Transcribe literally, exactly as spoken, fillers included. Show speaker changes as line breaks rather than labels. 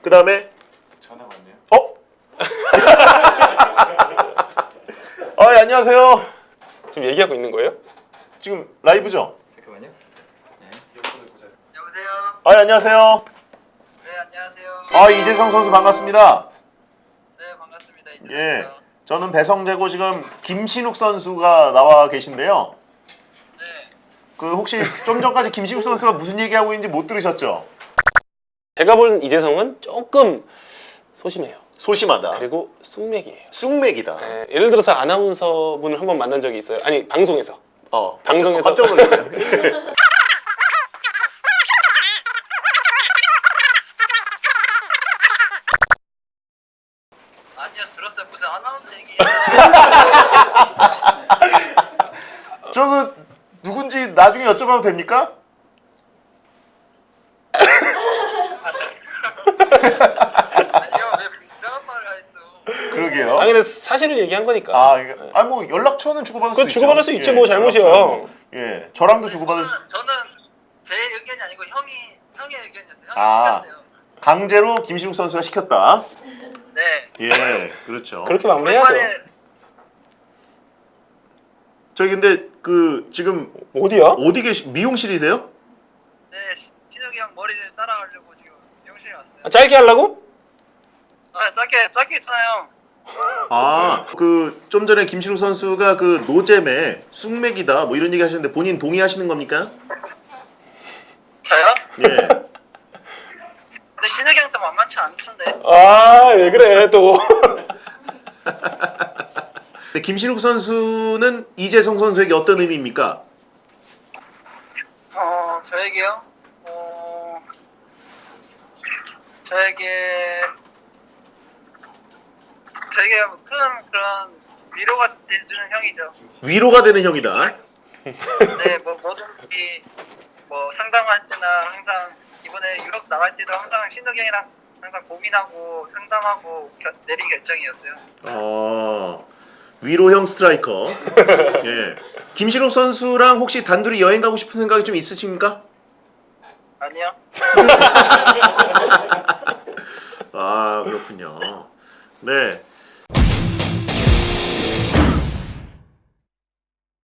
그 다음에
전화 왔네요.
어? 아, 예, 안녕하세요.
지금 얘기하고 있는 거예요?
지금 라이브죠?
잠깐만요. 네. 이어폰을 보자.
여보세요?
아, 예, 안녕하세요.
네, 안녕하세요.
아, 이재성 선수 반갑습니다.
네, 반갑습니다. 이제
예, 저는 배성재고 지금 김신욱 선수가 나와 계신데요.
네.
그 혹시 좀 전까지 김신욱 선수가 무슨 얘기하고 있는지 못 들으셨죠?
제가 본 이재성은 조금 소심해요.
소심하다.
그리고 쑥맥이에요.
쑥맥이다.
예, 예를 들어서 아나운서 분을 한번 만난 적이 있어요. 아니 방송에서.
어,
방송에서
깜짝 놀랐네.
아니요, 들었어요. 무슨 아나운서 얘기.
저 그 누군지 나중에 여쭤봐도 됩니까?
아니요, 왜 이상한 말을 하셨어?
그러게요.
아 근데 사실을 얘기한 거니까.
아, 이게, 아, 뭐 연락처는 주고받을 수
그
있죠.
주고받을 수 있지,
예,
뭐 잘못이야.
연락처는. 예, 저랑도 주고받을 수.
저는, 저는 제 의견이 아니고 형이 형의 의견이었어요. 형이
아.
시켰어요.
강제로 김신욱 선수가 시켰다.
네.
예, 그렇죠.
그렇게 마무리해야죠.
오랜만에
저기 근데 그 지금
어디야?
어디 계시? 미용실이세요?
네, 시- 신욱이 형 머리를 따라가려고 지금 미용실에 왔어요.
아, 짧게 하려고?
아, 짧게 짧게 했잖아요.
아, 그 좀 전에 김신욱 선수가 그 노잼에 쑥맥이다 뭐 이런 얘기 하셨는데 본인 동의하시는 겁니까?
저요?
예.
근데 신욱이 형도 만만치 않던데.
아 왜 그래 또.
근데 김신욱 선수는 이재성 선수에게 어떤 의미입니까?
어, 저에게요? 어, 저에게 저에게 큰 그런 위로가 돼주는 형이죠.
위로가 되는 형이다.
네, 뭐 뭐든지 뭐 상담할 때나 항상 이번에 유럽 나갈 때도 항상 신덕이 형이랑 항상 고민하고 상담하고 결, 내린 결정이었어요.
어, 위로형 스트라이커. 예. 김신욱 선수랑 혹시 단둘이 여행 가고 싶은 생각이 좀 있으십니까?
아니요.
아, 그렇군요. 네.